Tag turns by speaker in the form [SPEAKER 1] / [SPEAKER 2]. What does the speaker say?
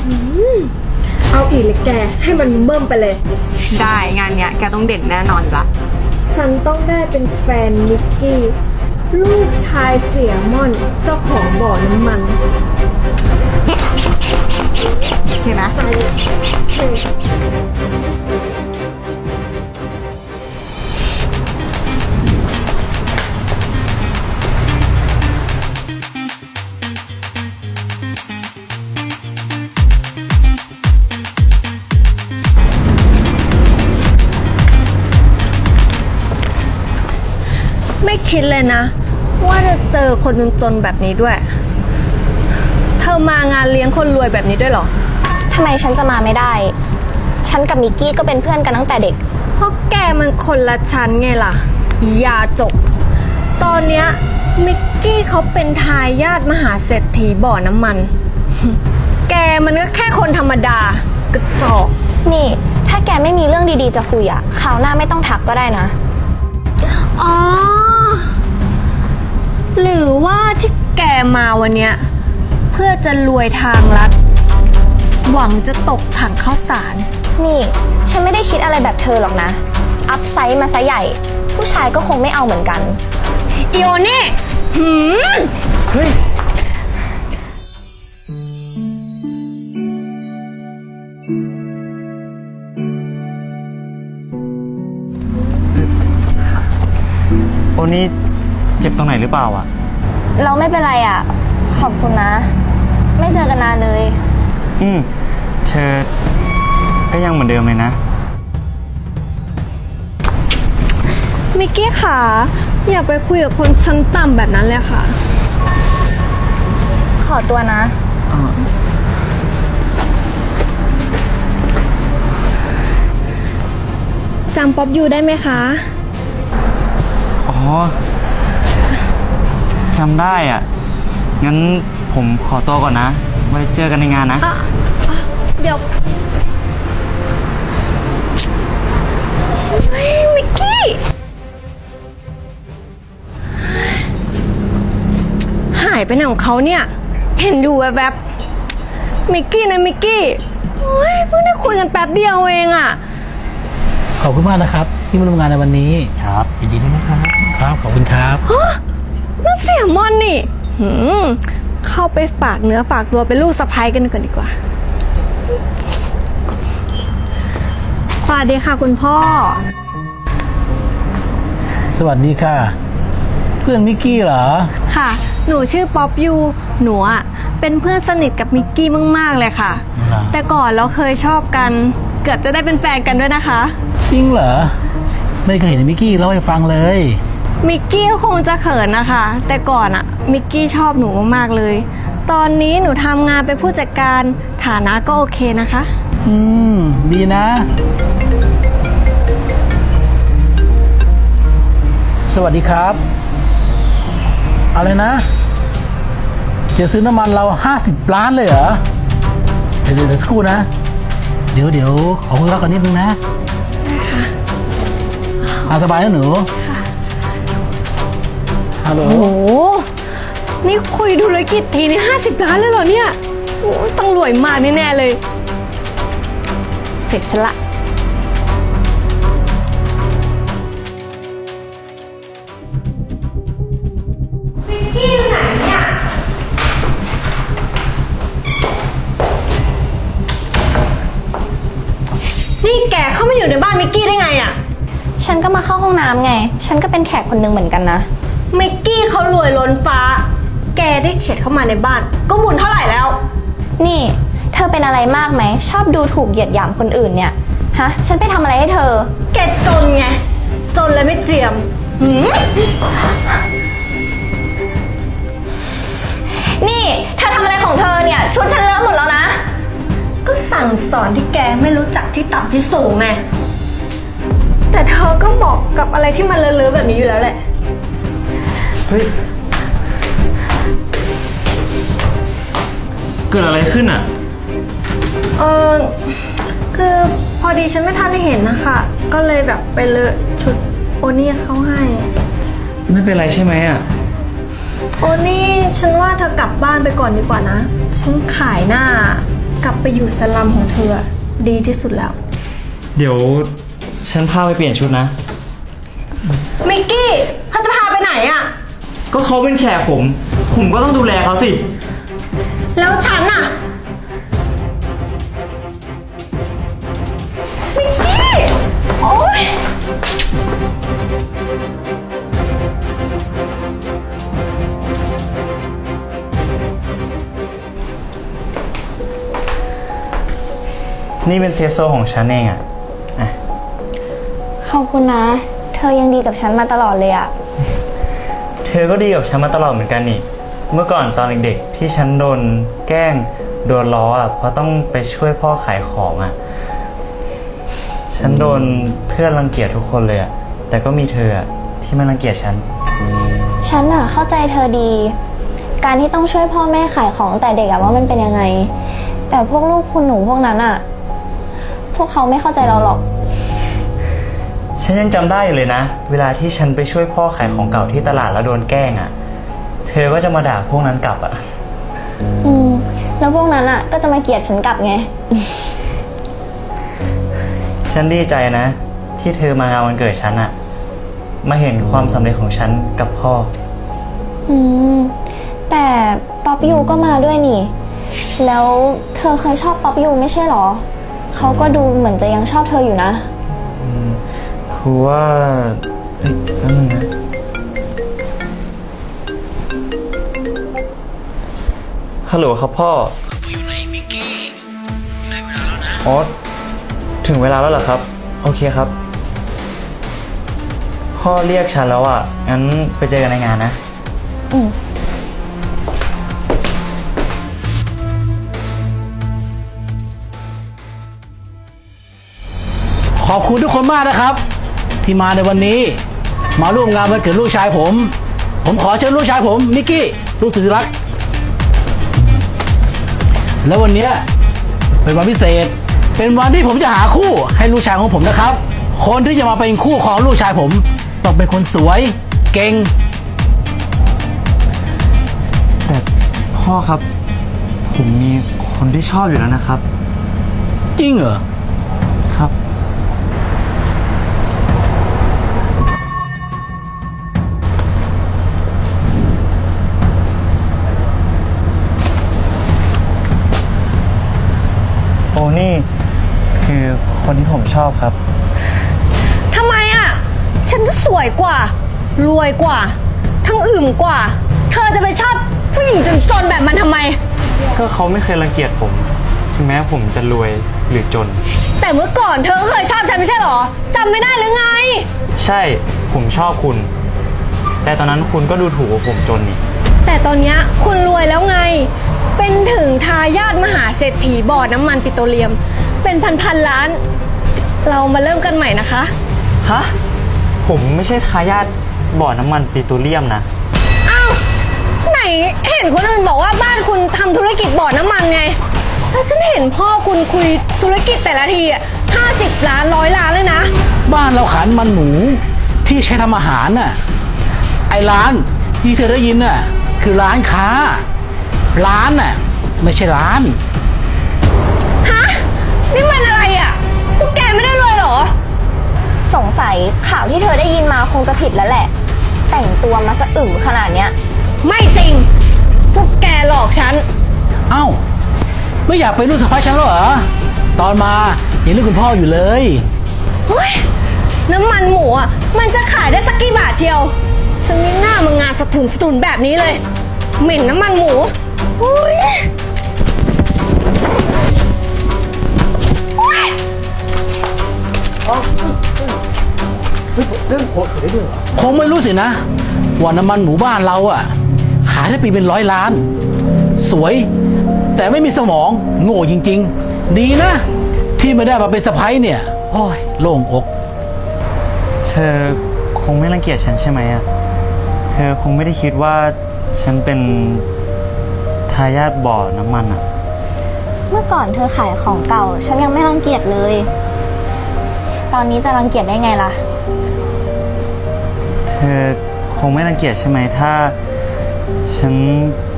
[SPEAKER 1] เอาอีกเลยแกให้มันเบิ่มไปเลย
[SPEAKER 2] ได้งานเนี้ยแกต้องเด่นแน่นอนจ้ะ
[SPEAKER 1] ฉันต้องได้เป็นแฟนนิกกี้ลูกชายเสียม่อนเจ้าของบ่อน้ำมัน
[SPEAKER 2] เห็นไหม
[SPEAKER 1] ใจเฮ้ ไม่คิดเลยนะ ว่าจะเจอคนจนๆแบบนี้ด้วย เธอมางานเลี้ยงคนรวยแบบนี้ด้วยเหรอ
[SPEAKER 3] ทำไมฉันจะมาไม่ได้ ฉันกับมิกกี้ก็เป็นเพื่อนกันตั้งแต่เด็ก
[SPEAKER 1] เพราะแกมันคนละชั้นไงล่ะ อย่าจบ ตอนเนี้ยมิกกี้เขาเป็นทายาทมหาเศรษฐีบ่อน้ำมัน แกมันก็แค่คนธรรมดากระจอก
[SPEAKER 3] นี่ ถ้าแกไม่มีเรื่องดีๆจะคุยอะคราวหน้าไม่ต้องทักก็ได้นะ
[SPEAKER 1] อ๋อ หรือว่าที่แกมาวันเนี้ยเพื่อจะรวยทางลัด หวังจะตกถังข้าวสาร
[SPEAKER 3] นี่ ฉันไม่ได้คิดอะไรแบบเธอหรอกนะ อัพไซด์มาซะใหญ่ ผู้ชายก็คงไม่เอาเหมือนกัน
[SPEAKER 1] อีโอนี่เฮ้ย
[SPEAKER 4] โอ้นี่เจ็บตรงไหนหรือเปล่าอ่ะ
[SPEAKER 3] เราไม่เป็นไรอะขอบคุณนะ ไม่เจอกันนานเลย
[SPEAKER 4] เธอก็ยังเหมือนเดิมเลยนะ
[SPEAKER 1] มิกกี้ค่ะ อย่าไปคุยกับคนชั้นต่ำแบบนั้นเลยค่ะ
[SPEAKER 3] ขอตัวนะ
[SPEAKER 1] จำป๊อปยูได้ไหมคะ
[SPEAKER 4] อ๋อจำได้อ่ะ งั้นผมขอตัวก่อนนะ ไว้เจอกันในงานนะ
[SPEAKER 1] เดี๋ยวเฮ้ยมิกกี้ หายไปไหนของเขาเนี่ย เห็นอยู่แวบๆมิกกี้นะมิกกี้โอ้ยเพิ่งได้คุยกันแป๊บเดียวเองอะ
[SPEAKER 5] ขอบคุณมากนะครับ ที่มาร่วมงานในวันนี้
[SPEAKER 4] ครับยินดีด้วยนะครับ
[SPEAKER 5] ครับขอบคุณครับ
[SPEAKER 1] ฮะนั่นเสียมอนนี่เข้าไปฝากเนื้อฝากตัวเป็นลูกสะใภ้กันก่อนดีกว่า สวัสดีค่ะคุณพ่อ
[SPEAKER 5] สวัสดีค่ะ เพื่อนมิกกี้เหรอ
[SPEAKER 1] ค่ะ หนูชื่อป๊อปยูหนูอะเป็นเพื่อนสนิทกับมิกกี้มากๆเลยค่ะ
[SPEAKER 5] เหรอ
[SPEAKER 1] แต่ก่อนเราเคยชอบกัน เกือบจะได้เป็นแฟนกันด้วยนะคะ
[SPEAKER 5] จริงเหรอ ไม่เคยเห็นมิกกี้เล่าให้ฟังเลย
[SPEAKER 1] มิกกี้ก็คงจะเขินนะคะ แต่ก่อนอะมิกกี้ชอบหนูมากๆเลย ตอนนี้หนูทำงานเป็นผู้จัดการฐานะก็โอเคนะคะ
[SPEAKER 5] ดีนะ สวัสดีครับ อะไรนะ จะซื้อน้ำมันเรา50 ล้านเลยเหรอ เดี๋ยวสักครู่นะ เดี๋ยวขอคุยกันนิดนึงนะได้ค่ะสบายนะหนูฮัลโหล
[SPEAKER 1] โอ้โห นี่คุยธุรกิจทีนี่50 ล้านเลยเหรอเนี่ยโอ้ยต้องรวยมากแน่ๆเลย เสร็จฉันละมิกกี้อยู่ไหนเนี่ย นี่แกเข้ามาอยู่ในบ้านมิกกี้ได้ไงอะ
[SPEAKER 3] ฉันก็มาเข้าห้องน้ำไง ฉันก็เป็นแขกคนหนึงเหมือนกันนะ
[SPEAKER 1] มิกกี้เขารวยล้นฟ้า แกได้เฉียดเข้ามาในบ้าน ก็บุญเท่าไหร่แล้ว
[SPEAKER 3] นี่ เธอเป็นอะไรมากไหม ชอบดูถูกเหยียดหยามคนอื่นเนี่ย ฮะ ฉันไปทำอะไรให้เธอ
[SPEAKER 1] แกจนไง จนเลยไม่เจียมหืม
[SPEAKER 3] นี่เธอทำอะไรของเธอเนี่ย ชุดฉันเลอะหมดแล้วนะ
[SPEAKER 1] ก็สั่งสอนที่แกไม่รู้จักที่ต่ำที่สูงไง แต่เธอก็เหมาะกับอะไรที่มันเลอะๆแบบนี้อยู่แล้วแหละ
[SPEAKER 4] เฮ้ย เกิดอะไรขึ้นอ่ะ
[SPEAKER 1] คือพอดีฉันไม่ทันได้เห็นนะคะ ก็เลยแบบไปเลอะชุดโอนี่เขาให้
[SPEAKER 4] ไม่เป็นไรใช่ไหมอ่ะ
[SPEAKER 1] โอนี่ฉันว่าเธอกลับบ้านไปก่อนดีกว่านะ ฉันขายหน้ากลับไปอยู่สลัมของเธอดีที่สุดแล้ว
[SPEAKER 4] เดี๋ยวฉันพาไปเปลี่ยนชุดนะ
[SPEAKER 1] มิกกี้เขาจะพาไปไหนอะ
[SPEAKER 4] ก็เขาเป็นแขกผมก็ต้องดูแลเขาสิ
[SPEAKER 1] แล้วฉันอะมิกกี้ โอ๊ย
[SPEAKER 4] นี่เป็นเซฟโซนของฉันเองอะ
[SPEAKER 3] ขอบคุณนะ เธอยังดีกับฉันมาตลอดเลยอะ
[SPEAKER 4] เธอก็ดีกับฉันมาตลอดเหมือนกันนี่ เมื่อก่อนตอนเด็กๆที่ฉันโดนแกล้งโดนล้ออ่ะเพราะต้องไปช่วยพ่อขายของอ่ะ ฉันโดนเพื่อนรังเกียจทุกคนเลยอ่ะ แต่ก็มีเธออ่ะที่ไม่รังเกียจฉัน
[SPEAKER 3] ฉันอะเข้าใจเธอดี การที่ต้องช่วยพ่อแม่ขายของแต่เด็กอะว่ามันเป็นยังไง แต่พวกลูกคุณหนูพวกนั้นอะพวกเขาไม่เข้าใจเราหรอก
[SPEAKER 4] ฉันยังจำได้อยู่เลยนะ เวลาที่ฉันไปช่วยพ่อขายของเก่าที่ตลาดแล้วโดนแกล้งอ่ะ เธอก็จะมาด่าพวกนั้นกลับอ่ะ
[SPEAKER 3] แล้วพวกนั้นอะก็จะมาเกลียดฉันกลับไง
[SPEAKER 4] ฉันดีใจนะ ที่เธอมางานวันเกิดฉันอ่ะ มาเห็นความสำเร็จของฉันกับพ่อ
[SPEAKER 3] แต่ป๊อปยูก็มาด้วยนี่ แล้วเธอเคยชอบป๊อปยูไม่ใช่หรอ เขาก็ดูเหมือนจะยังชอบเธออยู่นะ
[SPEAKER 4] คือว่าเฮ้ยแป๊บนึงนะ ฮัลโหลครับพ่ออยู่ไหนมิกกี้ได้เวลาแล้วนะ อ๋อ ถึงเวลาแล้วเหรอครับ โอเคครับ พ่อเรียกฉันแล้วอ่ะ งั้นไปเจอกันในงานนะ
[SPEAKER 5] ขอบคุณทุกคนมากนะครับ ที่มาในวันนี้ มาร่วมงานวันเกิดลูกชายผม ผมขอเชิญลูกชายผมมิกกี้ลูกสุดที่รัก แล้ววันเนี้ยเป็นวันพิเศษ เป็นวันที่ผมจะหาคู่ให้ลูกชายของผมนะครับ คนที่จะมาเป็นคู่ของลูกชายผมต้องเป็นคนสวยเก่ง
[SPEAKER 4] แต่พ่อครับ ผมมีคนที่ชอบอยู่แล้วนะครับ
[SPEAKER 5] จริงเหรอ
[SPEAKER 4] ครับ โอ้นี่คือคนที่ผมชอบครับ
[SPEAKER 1] ทำไมอะฉันก็สวยกว่า รวยกว่า ทั้งอึมกว่า เธอจะไปชอบผู้หญิงจนๆแบบมันทำไม
[SPEAKER 4] ก็เขาไม่เคยรังเกียจผม ถึงแม้ผมจะรวยหรือจน
[SPEAKER 1] แต่เมื่อก่อนเธอก็เคยชอบฉันไม่ใช่หรอจำไม่ได้หรือไง
[SPEAKER 4] ใช่ผมชอบคุณ แต่ตอนนั้นคุณก็ดูถูกว่าผมจนนี่
[SPEAKER 1] แต่ตอนเนี้ยคุณรวยแล้วไง เป็นถึงทายาทมหาเศรษฐีบ่อน้ำมันปิโตรเลียม เป็นพันล้าน เรามาเริ่มกันใหม่นะคะ
[SPEAKER 4] ฮะ ผมไม่ใช่ทายาทบ่อน้ำมันปิโตรเลียมนะ
[SPEAKER 1] อ้าว ไหนเห็นคนอื่นบอกว่าบ้านคุณทำธุรกิจบ่อน้ำมันไง แล้วฉันเห็นพ่อคุณคุยธุรกิจแต่ละทีอ่ะ50 ล้าน100 ล้านเลยนะ
[SPEAKER 5] บ้านเราขายมันหมูที่ใช้ทำอาหารน่ะ ไอ้ร้านที่เธอได้ยินน่ะคือร้านค้า ร้านน่ะไม่ใช่ร้าน
[SPEAKER 1] ฮะ นี่มันอะไรอ่ะ พวกแกไม่ได้รวยเหรอ
[SPEAKER 3] สงสัยข่าวที่เธอได้ยินมาคงจะผิดแล้วแหละ แต่งตัวมาสะอึ๋ขนาดเนี้ย
[SPEAKER 1] ไม่จริง พวกแกหลอกฉัน
[SPEAKER 5] เอ้า ไม่อยากเป็นลูกสะใภ้ฉันแล้วเหรอ ตอนมายังเรียกคุณพ่ออยู่เลย
[SPEAKER 1] เฮ้ย น้ำมันหมูอ่ะ มันจะขายได้สักกี่บาทเชียว ฉันไม่น่ามางานสะทุนแบบนี้เลย เหม็นน้ำมันหมูอุ้ยอุ๊ย
[SPEAKER 5] คงไม่รู้สินะว่าน้ำมันหมู่บ้านเราอ่ะ ขายได้ปีเป็น100 ล้าน สวย แต่ไม่มีสมองโง่จริงๆ ดีนะ ที่ไม่ได้มาเป็นสะใภ้เนี่ย โอ้ยโล่งอก
[SPEAKER 4] เธอคงไม่รังเกียจฉันใช่ไหมอ่ะ เธอคงไม่ได้คิดว่าฉันเป็นทายาทบ่อน้ำมันอ่ะ
[SPEAKER 3] เมื่อก่อนเธอขายของเก่า ฉันยังไม่รังเกียจเลย ตอนนี้จะรังเกียจได้ไงล่ะ
[SPEAKER 4] เธอคงไม่รังเกียจใช่ไหมถ้าฉัน